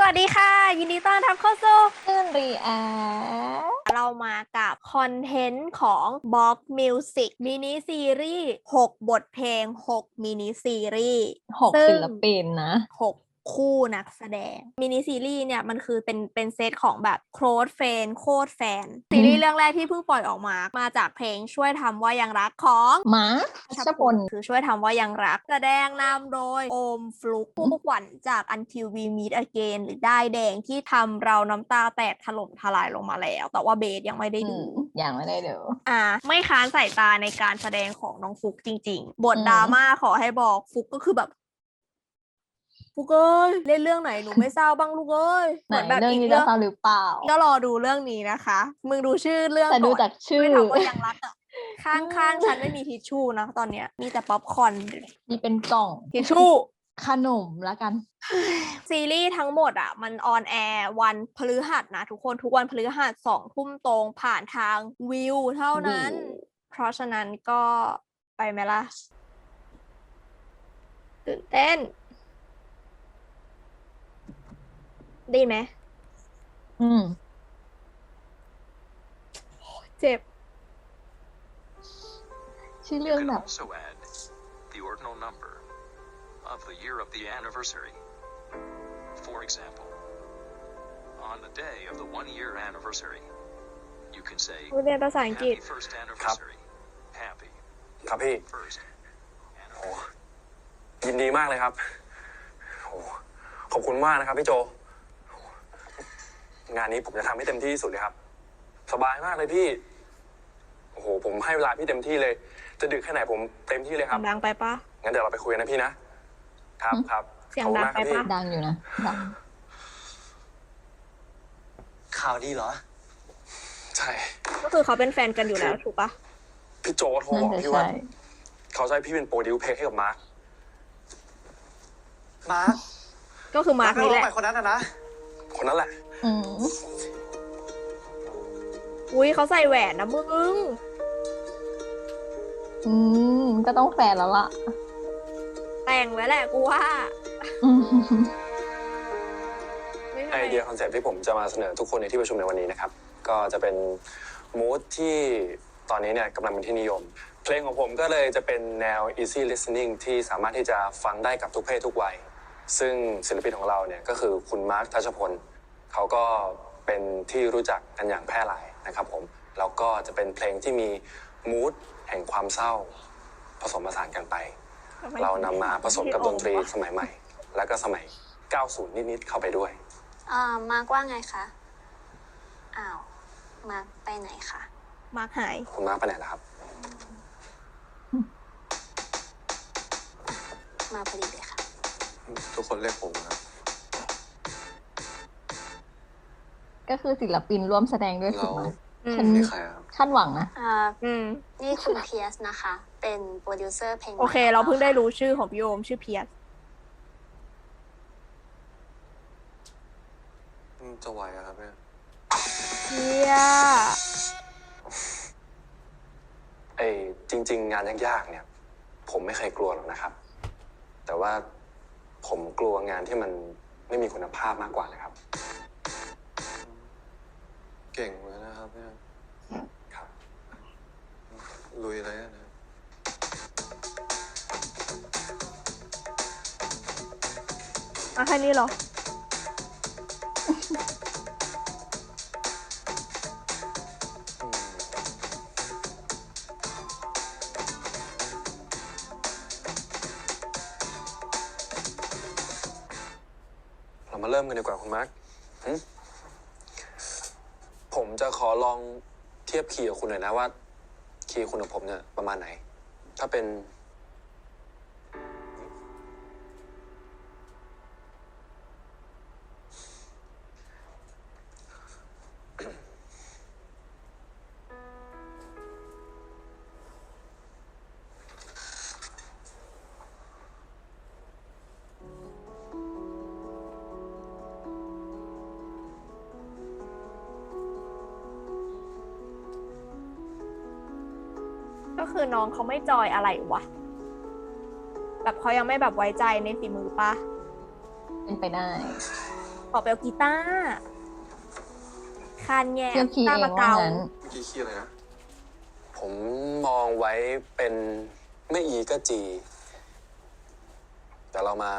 วัสดีค่ะยินดีต้อนรับเข้าสู่ขึ้นรีแอเรามากับคอนเทนต์ของ Box Music มินิซีรีส์6บทเพลง6มินิซีรีส์ 6ศิลปินนะ 6คู่นักแสดงมินิซีรีส์เนี่ยมันคือเป็นเซตของแบบโค้ดแฟนโคตรแฟนซีรีส์เรื่องแรกที่เพิ่งปล่อยออกมาจากเพลงช่วยทำว่ายังรักของมาร์คชพลคือช่วยทำว่ายังรักแสดงนำโดยโอมฟลุกผู้ขวัญจาก Until We Meet Again หรือได้ายแดงที่ทำเราน้ำตาแตกถล่มทลายลงมาแล้ว แต่ว่าเบสยังไม่ได้ดูยังไม่ได้ดูไม่ค้านสายตาในการแสดงของน้องฟุกจริงๆ บทดราม่าขอให้บอกฟุกก็คือแบบฟุกเอ้ยเล่นเรื่องไหนหนูไม่เศร้าบ้างลูกเอ้ยเหมือนแบบเรื่องนี้จะเศร้าหรือเปล่าก็รอดูเรื่องนี้นะคะมึงดูชื่อเรื่องแต่ดูจากชื่อไม่ถามว่ายังรักอ่ะข้างๆฉันไม่มีทิชชู่นะตอนเนี้ยมีแต่ป๊อปคอร์นมีเป็นกล่องทิชชู่ขนมละกันซีรีส์ทั้งหมดอ่ะมันออนแอร์วันพฤหัสนะทุกคนทุกวันพฤหัส20:00 นตรงผ่านทางวิวเท่านั้นเพราะฉะนั้นก็ไปไหมล่ะตื่นเต้นได้ไหมเจ็บชื่อเรื่องแบบ the ordinal number of the year of the anniversary. For example, on the day of the 1-year anniversary, you can say เรียนภาษาอังกฤษ Happy first anniversary. Happy ครับพี่ first โอ้ยินดีมากเลยครับโอ้ขอบคุณมากนะครับพี่โจงานนี้ผมจะทำให้เต็มที่ที่สุดเลยครับสบายมากเลยพี่โอ้โหผมให้เวลาพี่เต็มที่เลยจะดึกแค่ไหนผมเต็มที่เลยครับดังไปปะงั้นเดี๋ยวเราไปคุยกันนะพี่นะครับครับเสียงดังไปปะดังอยู่นะดังข่าวดีเหรอใช่ก็คือเขาเป็นแฟนกันอยู่แล้วถูกปะพี่โจโทรบอกพี่ว่าเขาจะให้พี่เป็นโปรดิวเพลงให้กับมาร์คก็คือมาร์คนี่แหละคนนั้นนะคนนั้นแหละอุ้ยเขาใส่แหวนนะมึงก็ต้องแฟนแล้วล่ะแต่งไว้แหละกูว่าไอเดียคอนเซ็ปต์ที่ผมจะมาเสนอทุกคนในที่ประชุมในวันนี้นะครับก็จะเป็นมูดที่ตอนนี้เนี่ยกำลังเป็นที่นิยมเพลงของผมก็เลยจะเป็นแนว easy listening ที่สามารถที่จะฟังได้กับทุกเพศทุกวัยซึ่งศิลปินของเราเนี่ยก็คือคุณมาร์ค ทัชพลเขาก็เป็นที่รู้จักกันอย่างแพร่หลายนะครับผมแล้วก็จะเป็นเพลงที่มีมูดแห่งความเศร้าผสมผสานกันไปเรานำมาผสมกับดนตรีสมัยใหม่แล้วก็สมัย 90 นิดๆเข้าไปด้วยมาร์กว่าไงคะอ้าวมาร์กไปไหนคะมาร์คหายคุณมาร์คไปไหนล่ะครับมาพอดีเลยค่ะทุกคนเรียกผมครับก็คือศิลปินร่วมแสดงด้วยถูกไหมฉันนี่ใครครับคาดหวังนะนี่คุณเพียสนะคะเป็นโปรดิวเซอร์เพลงโอเคเราเพิ่งได้รู้ชื่อของพี่โอมชื่อเพียสจะไหวครับเนี่ยเพียจริงๆงานยากๆเนี่ยผมไม่เคยกลัวหรอกนะครับแต่ว่าผมกลัวงานที่มันไม่มีคุณภาพมากกว่านะครับเก่งเลยนะครับเนี่ยครับลุยเลยนะแค่นี้เหรอเรามาเริ่มกันดีกว่าคุณมาร์คผมจะขอลองเทียบคีย์กับคุณหน่อยนะว่าคีย์คุณกับผมเนี่ยประมาณไหนถ้าเป็นก็คือน้องเขาไม่จอยอะไรวะแบบเขายังไม่แบบไว้ใจในฝีมือปะเป็นไปได้อไปเอากีตาร์คานแย่เทียบคีย์ตาเอร์งมาว่าเกางั้นเมื่อกี้คีย์อะไรนะ ผมมองไว้เป็นไม่อีก็จี แต่เรามา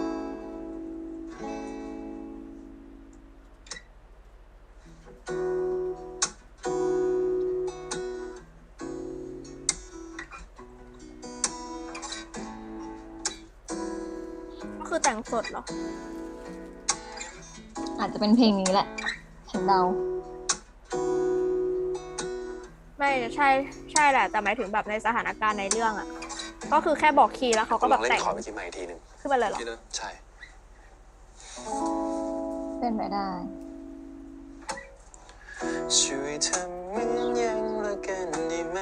ก็คือแต่งสดเหรออาจจะเป็นเพลงนี้แหละ ฉันเดาไม่ใช่ใช่แหละ แต่หมายถึงแบบในสถานการณ์ในเรื่องอะก็คือแค่บอกคีย์แล้วเขาก็ลแบองบเล่แต่นงคอร์ดเมื่อกี้ใหม่อีกทีหนึ่งขึ้นไปเลยเหรอใช่เป็นไปได้ช่วยทำเหมือนยังรักกันได้ไหม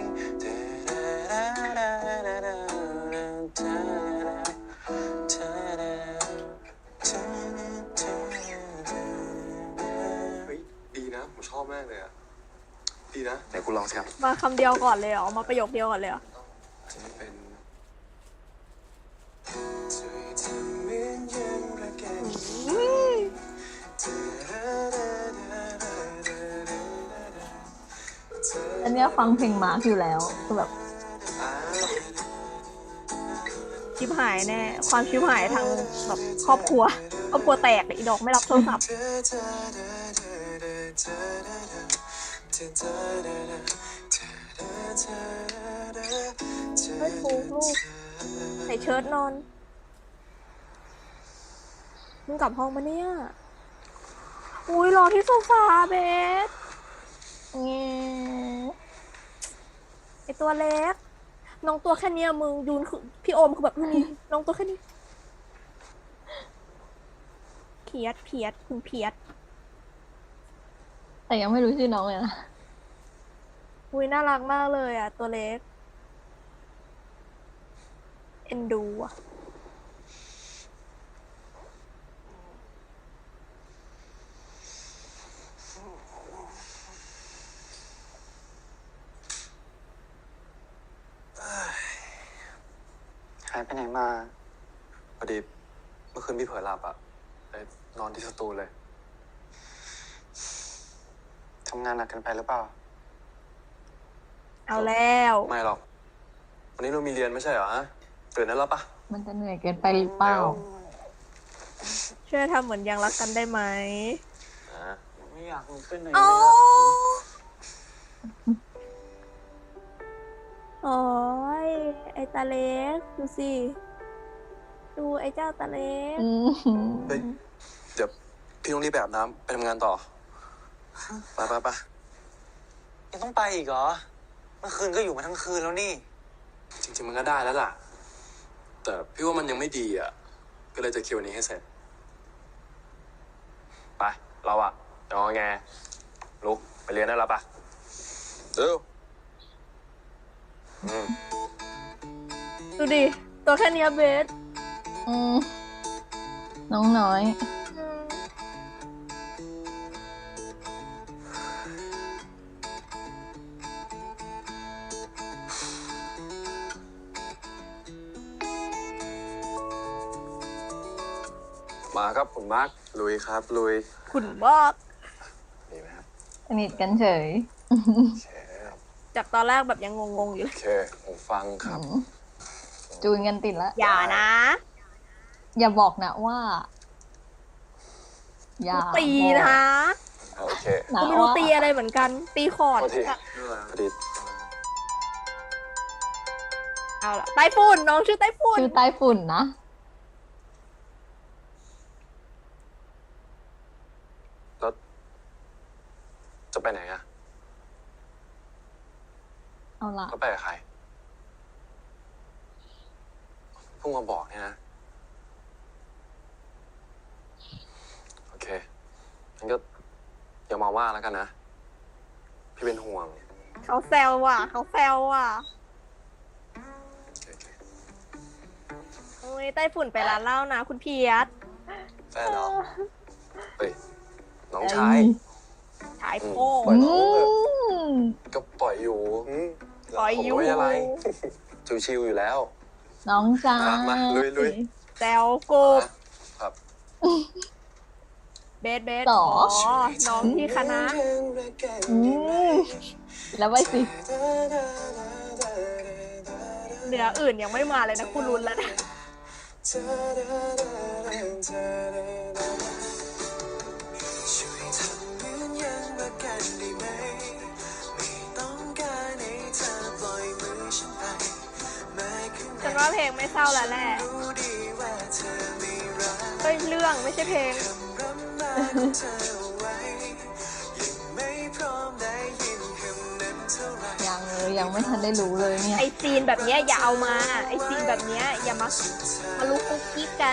เฮ้ยดีนะ ผมชอบมากเลยอ่ะ ดีนะไหนคุณลองสิครับมาคำเดียวก่อนเลยเหรอ มาประโยคเดียวก่อนเลยเหรอจะเป็นช่วยทำเหมือนยังรักกันอันเนี้ยฟังเพลงมาร์คอยู่แล้วคือแบบชิบหายแน่ ความชิบหายทางแบบครอบครัวแตกอีดอกไม่รับโทรศัพท์ไม่ถูกลูกใส่เชิ้ตนอนมึงกลับห้องมาเนี่ย อุ้ยรอที่โซฟาเบสเงี้ยไอตัวเล็ก น้องตัวแค่เนี้ยมึงยูนคือพี่โอมคือแบบนี้ น้องตัวแค่นี้เพียดคุณเพียดแต่ยังไม่รู้ชื่อน้องเลยนะอุ้ยน่ารักมากเลยอ่ะ ตัวเล็ก เอ็นดูอ่ะหายไปไหนมา พอดีเมื่อคืนพี่เผลอหลับอ่ะเลยนอนที่สตูเลย ทำงานหนักเกันไปหรือเปล่าเอาแล้วไม่หรอก วันนี้เรามีเรียนไม่ใช่เหรอฮะตื่นได้แล้วปะมันจะเหนื่อยเกินไปหรือเปล่าช่วยทำเหมือนยังรักกันได้ไหมไม่อยากลุกไปไหนโอ้โอ้ยไอตาเล็ก ดูสิ ดูไอเจ้าตาเล็กอืมเฮ้ยเดี๋ยวพี่ต้องรีบไปอาบน้ำไปทำงานต่อ ไปยังต้องไปอีกเหรอ เมื่อคืนก็อยู่มาทั้งคืนแล้วนี่จริงๆมันก็ได้แล้วล่ะ แต่พี่ว่ามันยังไม่ดีอ่ะ ก็เลยจะคิวนี้ให้เสร็จ ไป เราอ่ะจะงอแงลุกไปเรียนได้แล้วปะเร็วดูดิ ตัวแค่เนี้ยเบสอืมน้องน้อยมาครับคุณมาร์คลุยครับ ลุยขุนบอกดีไหมครับสนิทกันเฉยโอเคครับจากตอนแรกแบบยังงงๆอยู่เลโอย เคผมฟังครับจูนกันติดแล้วอย่านะอย่าบอกนะว่า อย่าตีนะโอเคนะกูไม่รู้ว่าตีอะไรเหมือนกัน ตีคอร์ดพอดีอะพอดีเอาละไต้ฝุ่นน้องชื่อไต้ฝุ่นชื่อใต้ฝุ่นนะแล้วจะไปไหนอะเอาละแล้วไปกับใครเพิ่งมาบอกเนี่ยนะ โอเคงั้นก็อย่ามาว่าแล้วกันนะ พี่เป็นห่วงเขาแซวว่ะ เขาแซวว่ะโอเคโอ้ยไต้ฝุ่นไปร้านเหล้านะ คุณเพียรแฟนเหรอเฮ้ย น้องชายชายโพปล่อยน้อืองเถอะมก็ปล่อยอยู่ปล่อยอยู่ผมไม่อะไร ชิวๆอยู่แล้วน้องจ้ามาลุยแซวกบครับเบสหรอ๋ออน้องที่คณะอืมแล้วไปสิเหนืออื่นยังไม่มาเลยนะกูลุ้นแล้วนะช่วยทำเหมือนยังรักกันได้ไหมไม่ต้องการให้เธอปล่อยมือฉันไปแม้ข้างในฉันว่าเพลงไม่เศร้าแล้วแหละรู้ดีว่าเธอไม่รักเฮ้ยเรื่องไม่ใช่เพลงคำร่ำลาของเธอเอาไว้ยังไม่พร้อมได้ยินคำนั้นเท่าไหร่ยังเลยยังไม่ทันได้รู้เลยเนี่ยไอซีนแบบเนี้ยอย่าเอามา ไอซีนแบบเนี้ยอย่ามาลุกคุกกิ๊กกัน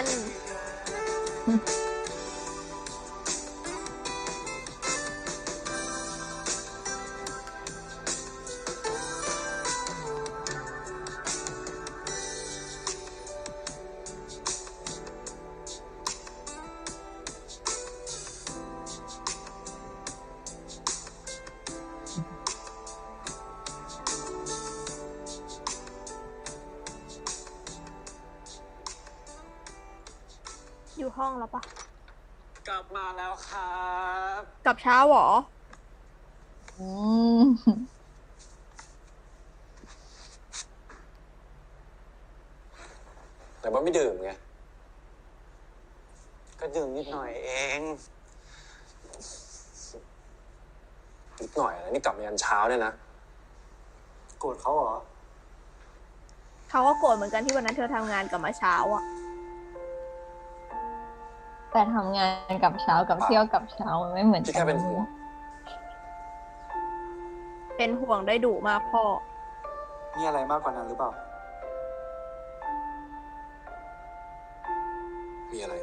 อยู่ห้องแล้วปะกลับมาแล้วครับกลับเช้าเหรออืมแต่ว่าไม่ดื่มไงก็ดื่มนิดหน่อยเองนิดหน่อยนะนี่กลับมายันเช้าเนี่ยนะโกรธเขาเหรอเขาก็โกรธเหมือนกันที่วันนั้นเธอทำงานกลับมาเช้าอ่ะแต่ทำงานกับเช้ากับเที่ยวกับเช้ามันไม่เหมือนพี่กัแค่เป็นห่วงเป็นห่วงได้ดุมากพ่อมีอะไรมากกว่านั้นหรือเปล่ามีอะไร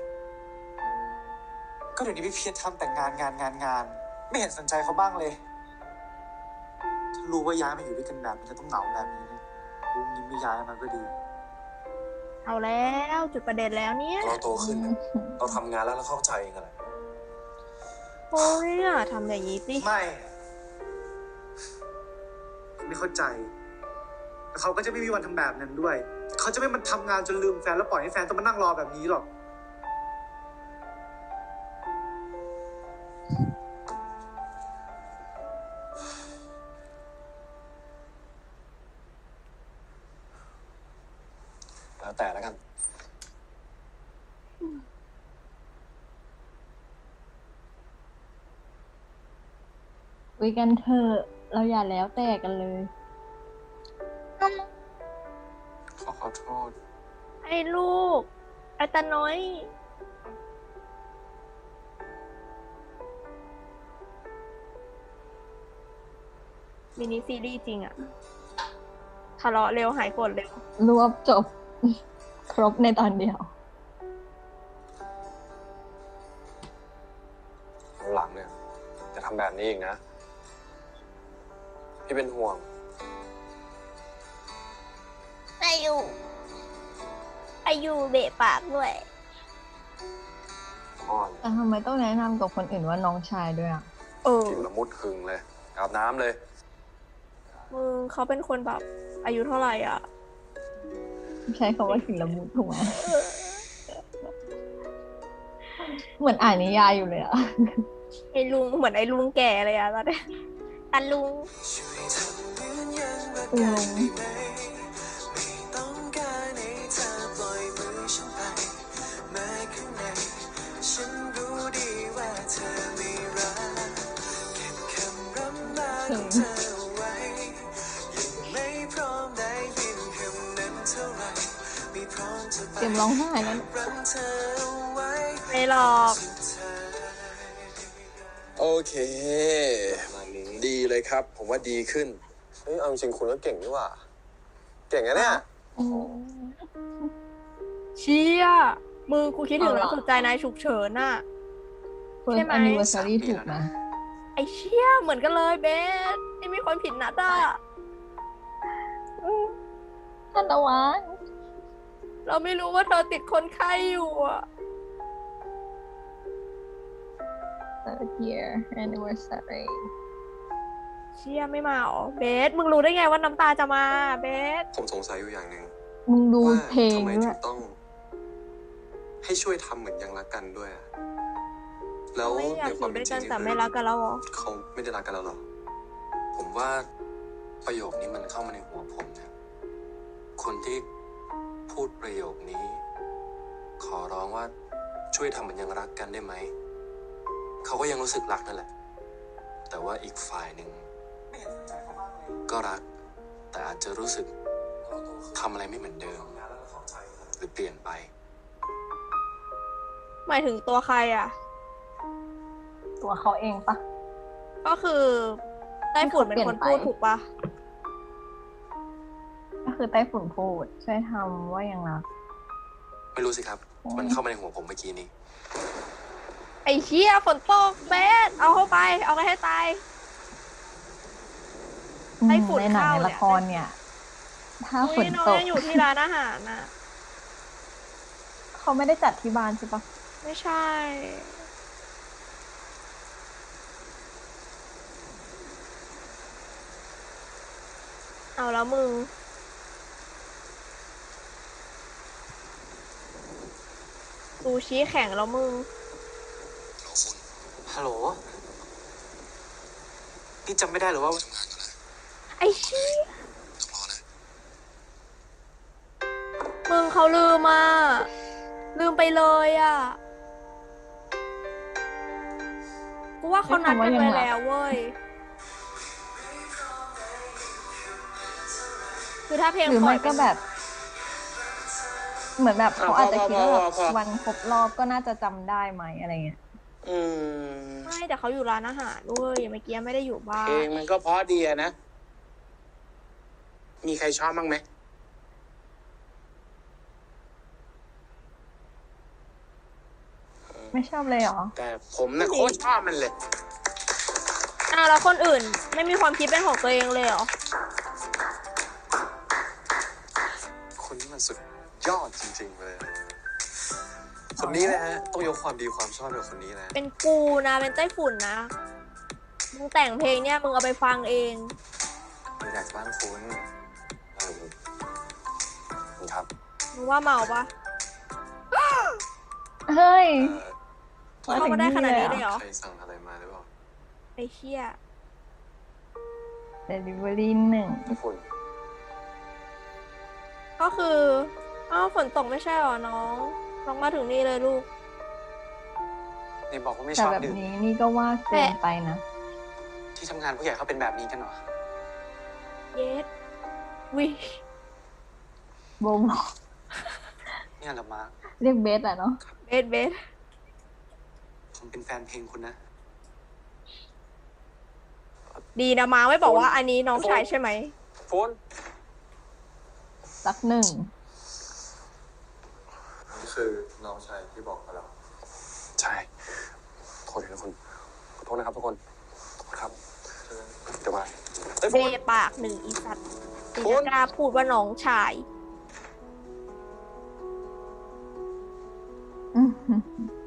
ก็เดี๋ยวนี้พี่เพียรทำแต่งานไม่เห็นสนใจเขาบ้างเลยถ้ารู้ว่าย้ายมาอยู่ด้วยกันแบบนี้จะต้องเหงาแบบนี้รู้งี้ไม่ย้ายมันก็ดีเอาแล้วจุดประเด็นแล้วเนี่ยเราโตขึ้นเนี่ยเราทำงานแล้วเราเข้าใจเองอะไรโอ้ยอย่าทำอย่างนี้สิไม่เข้าใจแต่เขาก็จะไม่มีวันทำแบบนั้นด้วย เขาจะไม่มันทำงานจนลืมแฟนแล้วปล่อยให้แฟนต้องมานั่งรอแบบนี้หรอกแล้วแต่แล้วกันคุยกันเถอะเราอย่าแล้วแต่กันเลยขอโทษไอ้ลูก ไอ้ตาน้อย มินิซีรีส์จริงอะทะเลาะเร็วหายโกรธเร็วรวบจบ ครบในตอนเดียวหลังเนี่ยจะทำแบบนี้อีกนะ พี่เป็นห่วงอายุเบะปากด้วยอ่อนแต่ทำไมต้องแนะนำกับคนอื่นว่าน้องชายด้วยอ่ะเออกินละมุดหึงเลย อาบน้ำเลยมึงเขาเป็นคนแบบ อายุเท่าไหร่อ่ะใช้คำว่าศิลมุตถูกไหมเหมือนอ่านนิยายอยู่เลยอ่ะไอ้ลุงเหมือนไอ้ลุงแก่เลยอะตอนนี้ตาลุงช่วยทำเหมือนยังรักอืกันมได้ไหมไม่ต้องการให้เธอปล่อยมือฉันไปแม้ข้างในฉันรู้ดีว่าเธอไม่รักเก็บคำร่ำลาของเธอเอาไว้ยังไม่พร้อมได้ยินคำนั้นเท่าไหร่ไม่พร้อมจะไปเตรียมร้องไห้แล้วรักเธอเอาไว้ไม่หรอกสุดท้ายโอเค ดีเลยครับ ผมว่าดีขึ้นเฮ้ยเอาจริงๆคุณก็เก่งนี่หว่า เก่งนะเนี่ยเชี่ยมึงกูคิดถึงแล้วเอาล่ะสุดใจนายฉุกเฉินน่ะเฟิร์ใช่สไหมแอนนิเวอร์ซารีถูกนะไอ้เชี่ยเหมือนกันเลยเบสที่มีคนผิดนัดอ่ะทันตะวันเราไม่รู้ว่าเธอติดคนไข้อยู่อ่ะ third year anniversary เชี่ยไม่มาหรอเบสมึงรู้ได้ไงว่าน้ำตาจะมาเบสผมสงสัยอยู่อย่างหนึ่งมึงดูว่าเพลงทำไมด้วถึยงต้อง ให้ช่วยทำเหมือนยังรักกันด้วยอะแล้วไม่อยาในกอความยู่เป็ด้นวยจริกังนนี่แต่คือไม่รักกันแล้วเหรอเขาไม่ได้รักกันแล้วหรอ ผมว่าประโยคนี้มันเข้ามาในหัวผมนะคนที่พูดประโยคนี้ ขอร้องว่าช่วยทำเหมือนยังรักกันได้ไหม เขาก็ยังรู้สึกรักนั่นแหละ แต่ว่าอีกฝ่ายหนึ่งก็รัก แต่อาจจะรู้สึกทำอะไรไม่เหมือนเดิม หรือเปลี่ยนไปหมายถึงตัวใครอ่ะตัวเขาเองปะก็คือไต้ฝุ่นเป็นคนพูดถูกปะก็คือไต้ฝุ่นพูด ช่วยทำว่ายังรักไม่รู้สิครับ มันเข้ามาในหัวผมเมื่อกี้นี้ไอ้เชี่ยฝนตกเบสเอาเข้าไป เอากันให้ตาย ไต้ฝุ่นในหนังเข้าในเนี่ยละครเนี่ย ถ้าฝอุ้นยน้องตกยังอยู่ที่ร้านอาหารน่ะเขาไม่ได้จัดที่บ้านใช่ปะไม่ใช่ เอาแล้วมึง ซูชิแข็งแล้วมึงฮัลโหล นี่จำไม่ได้หรือว่าไอ้เชี่ยมึงเขาลืมอ่ะ ลืมไปเลยอ่ะ กูว่าเขานัดกันไว้แล้วเว้ย คือถ้าเพลงหรือปล่ไม่อยเป็ก็นแบบ เหมือนแบบเขาอาจจะคิดว่าแบบพอวันครบรอบก็น่าจะจำได้ไหมอะไรเงี้ยอืมไม่แต่เขาอยู่ร้านอาหารด้วยเมื่อกี้ไม่ได้อยู่บ้าเพลนงมันก็เพราะดีอะนะ มีใครชอบบ้างไหมไม่ชอบเลยเหรอแต่ผมนะโคตรชอบมันเลยอ้าวแล้วคนอื่นไม่มีความคิดเป็นของตัวเองเลยเหรอคนนี้มันสุดยอดจริงๆเลย คนนี้นะฮะ ต้องยกความดีความชอบให้กับคนนี้นะเป็นกูนะเป็นไต้ฝุ่นนะ มึงแต่งเพลงเนี่ยมึงเอาไปฟังเองมีอยากจะบ้านคุณครับมึงว่าเมาปะเฮ้ยเข้ามาได้ขนาดนี้เลยเหรอใครสั่งอะไรมาหรือเปล่าไอ้เชี่ย Delivery 1 ไม่คุณก็คืออ้าวฝนตกไม่ใช่เหรอน้อง น้องมาถึงนี่เลยลูกนี่บอกว่าไม่แต่ชอบแบบดื่มนี้นี่ก็ว่าเกินไปนะที่ทำงานผู้ใหญ่เขาเป็นแบบนี้กันเหรอเยสวิโบบอกเนี่ยเหรอมาร์คเรียกเบสอะเนาะเบสผมเป็นแฟนเพลงคุณนะดีนะมาไม่บอกว่าอันนี้น้องชายใช่ไหมคุณสักหนึ่งนี่คือน้องชายที่บอกกับเรา ใช่โทษนะคุณขอโทษนะครับทุกคนครับเดี๋ยวมาเฮ้ยเบคุณปากหนึ่งอีสัตว์ถึงคุจะณกล้าพูดว่าน้องชายอื้อหือ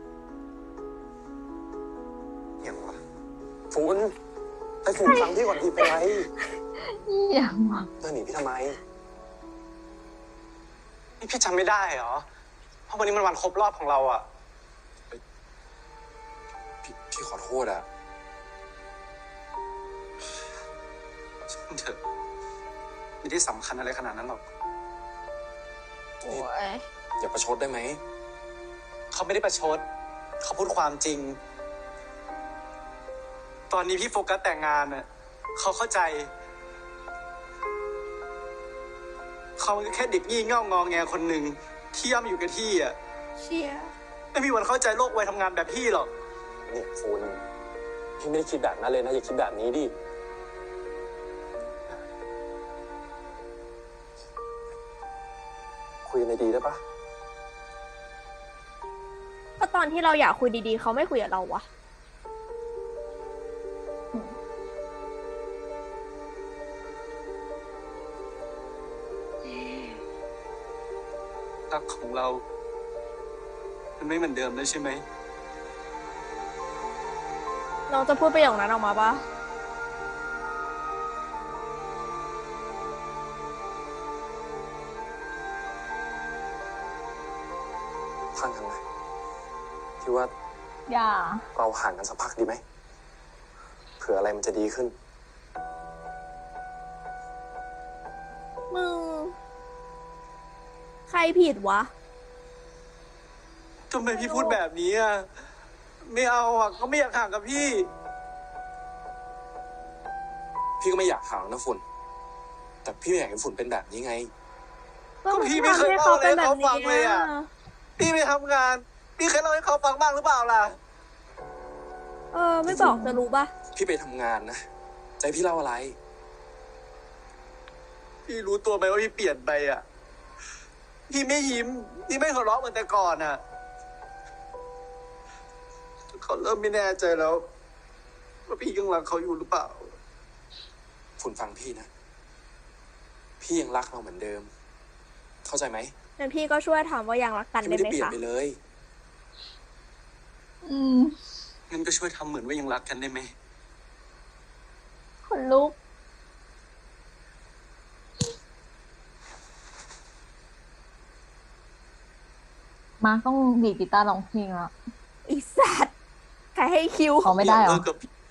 อย่างวะฝุ่นไอ้ฝุ่นฟังพี่ก่อนดีเป็นไรอย่างวะเธอหนีพี่ทำไมนี่พี่จำไม่ได้เหรอ เพราะวันนี้มันวันครบรอบของเราอะพี่ขอโทษอะช่างเถอะ ไม่ได้สำคัญอะไรขนาดนั้นหรอกโอ้ยอย่าประชดได้ไหมเขาไม่ได้ประชด เขาพูดความจริง ตอนนี้พี่โฟกัสแต่งงานน่ะเขาเข้าใจ เขาแค่เด็กงี่เง่างอแงคนหนึ่งที่ย่ำอยู่กับที่อ่ะเชี่ยไม่มีวันเข้าใจโลกวัยทำงานแบบพี่หรอกเนี่ยฝุ่นพี่ไม่ได้คิดแบบนั้นเลยนะอย่าคิดแบบนี้ดิคุยกันดีๆได้ปะก็ตอนที่เราอยากคุยดีๆเขาไม่คุยกับเราวะรักของเรา มันไม่เหมือนเดิมแล้วใช่ไหมน้องจะพูดประโยคนั้นออกมาปะฟังกันไหมที่ว่าอย่าเราห่างกันสักพักดีไหมเผื่ออะไรมันจะดีขึ้นมึง ใครผิดวะทำไมพี่พูดแบบนี้อ่ะ ไม่เอาอ่ะก็ไม่อยากห่างกับพี่พี่ก็ไม่อยากห่างนะฝุ่น แต่พี่ไม่อยากให้ฝุ่นเป็นแบบนี้ไงก็พี่ไม่เคยเล่าอะไรให้เขาฟังเลยอะ พี่ไปทำงาน พี่เคยเล่าให้เขาฟังบ้างหรือเปล่าล่ะไม่บอกจะรู้ปะพี่ไปทำงานนะใจพี่เล่าอะไรพี่รู้ตัวไหมว่าพี่เปลี่ยนไปอ่ะ พี่ไม่ยิ้ม พี่ไม่หัวเราะเหมือนแต่ก่อนอ่ะ เขาเริ่มไม่แน่ใจแล้วว่าพี่ยังรักเขาอยู่หรือเปล่าฝุ่นฟังพี่นะ พี่ยังรักเราเหมือนเดิม เข้าใจไหมงั้นพี่ก็ช่วยถามว่ายังรักกันพี่ได้ไม่ไหมได้เปลี่ยนคะไปเลยอืมงั้นก็ช่วยทำเหมือนว่ายังรักกันได้ไหมขนลุก มาร์คต้องดีดกีตาร์ร้องเพลงแล้วอีสัตว์ใครให้คิวเขาไม่ได้เหรอ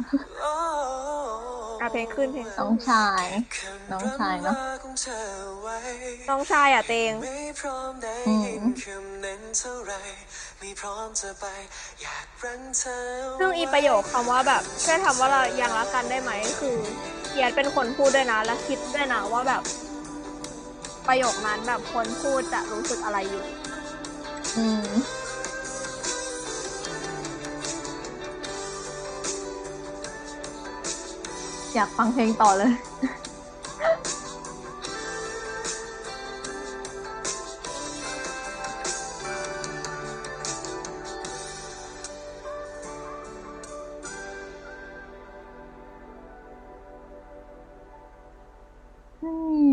เพลงขึ้นเพลงน้องชาย น้องชายเนาะน้องชายเตงอืมซึ่งอีประโยคคำว่าแบบช่วยถามว่าเรายังรักกันได้ไหมคือเอียดเป็นคนพูดด้วยนะ และคิดด้วยนะว่าแบบ ประโยคนั้นแบบคนพูดจะรู้สึกอะไรอยู่อืม อยากฟังเพลงต่อเลย อืม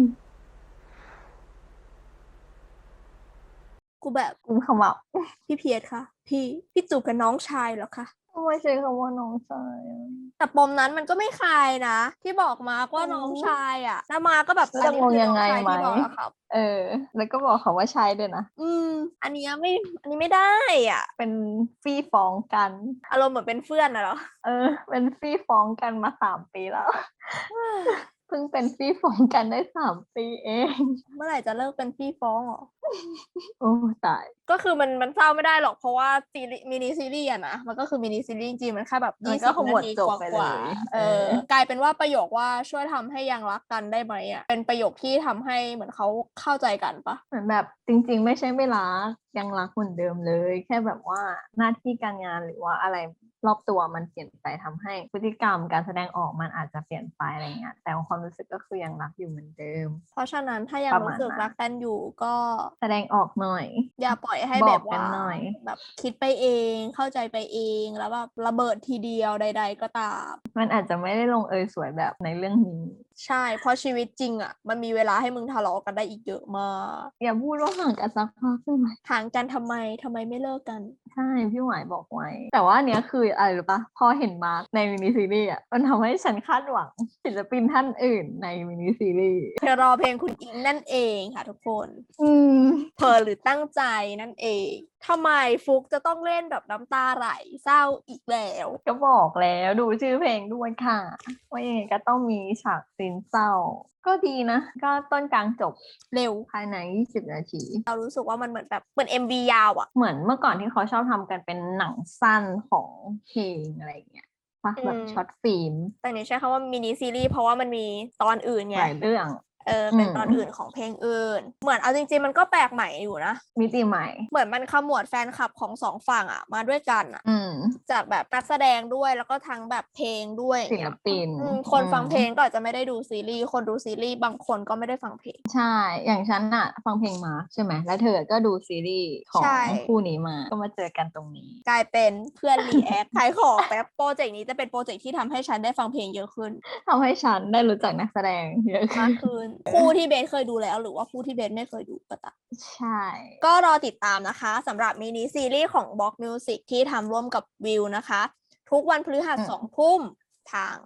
กูแบบกุมขมับพี่เพียรค่ะ พี่จูบกับน้องชายเหรอคะทำไมใช้คำว่าน้องชายอะแต่ปมนั้นมันก็ไม่คลายนะ ที่บอกมาว่าน้องชายแล้วมาก็แบบแล้วจะงงยังไงไหมอันนี้คือน้องชายที่บอกอะครับแล้วก็บอกเขาว่าใช่ด้วยนะอันนี้ไม่ได้อ่ะเป็นฟี่ฟ้องกันอารมณ์เหมือนเป็นเพื่อนนะเหรอเป็นฟี่ฟ้องกันมา3 ปีแล้ว เพิ่งเป็นฟี่ฟ้องกันได้3 ปีเองเมื่อไหร่จะเลิกเป็นพี่ฟ้องเหรอโอ้ตายก็คือมันเศร้าไม่ได้หรอกเพราะว่ามินิซีรีส์อะนะมันก็คือมินิซีรีส์จริงๆมันแค่แบบมันก็ 20 ขมวดนาทีจบกไปว่าเลยกลายเป็นว่าประโยคว่าช่วยทำให้ยังรักกันได้ไหมอะเป็นประโยคที่ทำให้เหมือนเขาเข้าใจกันปะเหมือนแบบจริงๆ ไม่ใช่ไม่รักยังรักเหมือนเดิมเลย แค่แบบว่าหน้าที่การงานหรือว่าอะไรรอบตัวมันเปลี่ยนไปทำให้พฤติกรรมการแสดงออกมันอาจจะเปลี่ยนไปอะไรเงี้ยแต่ความรู้สึกก็คือยังรักอยู่เหมือนเดิมเพราะฉะนั้นถ้ายังประมาณรู้สึกนั้นรักกันอยู่ก็แสดงออกหน่อยอย่าปล่อยให้บแบอกบกัว่านหน่อยแบบคิดไปเองเข้าใจไปเองแล้วแบบระเบิดทีเดียวใด ๆ ก็ตามมันอาจจะไม่ได้ลงเอยสวยแบบในเรื่องนี้ใช่ เพราะชีวิตจริงอ่ะมันมีเวลาให้มึงทะเลาะกันได้อีกเยอะมากอย่าพูดว่าห่างกันสักพักได้ไหมห่างกันทำไมไม่เลิกกันใช่พี่หวายบอกไว้ แต่ว่าอันเนี้ยคืออะไรรู้ปะพอเห็นมาร์คในมินิซีรีส์อ่ะมันทำให้ฉันคาดหวังศิลปินท่านอื่นในมินิซีรีส์เธอรอเพลงคุณอิงนั่นเองค่ะทุกคนอืมเพอหรือตั้งใจนั่นเองทำไมฟุกจะต้องเล่นแบบน้ำตาไหลเศร้าอีกแล้วก็บอกแล้วดูชื่อเพลงด้วยค่ะ ว่ายังไงก็ต้องมีฉากซีนเศร้า ก็ดีนะ ก็ต้นกลางจบเร็วภายใน20 นาทีเรารู้สึกว่ามันเหมือนแบบเหมือน MV ยาวอ่ะเหมือนเมื่อก่อนที่เขาชอบทำกันเป็นหนังสั้นของเพลงอะไรอย่างเงี้ยปะแบบช็อตฟิล์มแต่นี่ใช้คำว่ามินิซีรีส์เพราะว่ามันมีตอนอื่นไงหลายเรื่องเป็นตอนอื่นของเพลงอื่น เหมือนเอาจริงๆมันก็แปลกใหม่อยู่นะมิติใหม่เหมือนมันขมวดแฟนคลับของสองฝั่งอ่ะมาด้วยกันอ่ะอืมจากแบบนักแสดงด้วยแล้วก็ทั้งแบบเพลงด้วยศิลปินคนฟังเพลงก็อาจจะไม่ได้ดูซีรีส์คนดูซีรีส์บางคนก็ไม่ได้ฟังเพลงใช่ อย่างฉันอะฟังเพลงมาใช่ไหม แล้วเธอก็ดูซีรีส์ของใช่คู่นี้มา ก็มาเจอกันตรงนี้กลายเป็นเพื่อนรีแอค ขายของแป๊บโปรเจกต์นี้จะเป็นโปรเจกต์ที่ทำให้ฉันได้ฟังเพลงเยอะขึ้นทำให้ฉันได้รู้จักนักแสดงเยอะมาขึ้กนขึ้น คู่ที่เบสเคยดูแล้วหรือว่าคู่ที่เบสไม่เคยดูก็ตามใช่ก็รอติดตามนะคะสำหรับมินิซีรีส์ของ Box Music ที่ทำร่วมกับวิวนะคะ ทุกวันพฤหัสอืม 2 ทุ่มทาง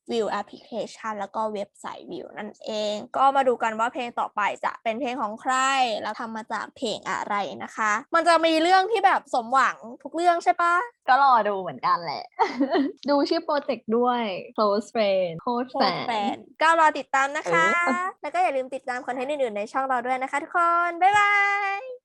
วิวแอปพลิเคชันแล้วก็เว็บไซต์วิวนั่นเอง ก็มาดูกันว่าเพลงต่อไปจะเป็นเพลงของใครแล้วทำมาจากเพลงอะไรนะคะ มันจะมีเรื่องที่แบบสมหวังทุกเรื่องใช่ปะก็รอดูเหมือนกันแหละ ดูชื่อโปรเจกต์ด้วย close friend โคตรโคแฟตรแฟนก็รอติดตามนะคะเออแล้วก็อย่าลืมติดตามคอนเทนต์อื่นๆในช่องเราด้วยนะคะทุกคน บ๊ายบาย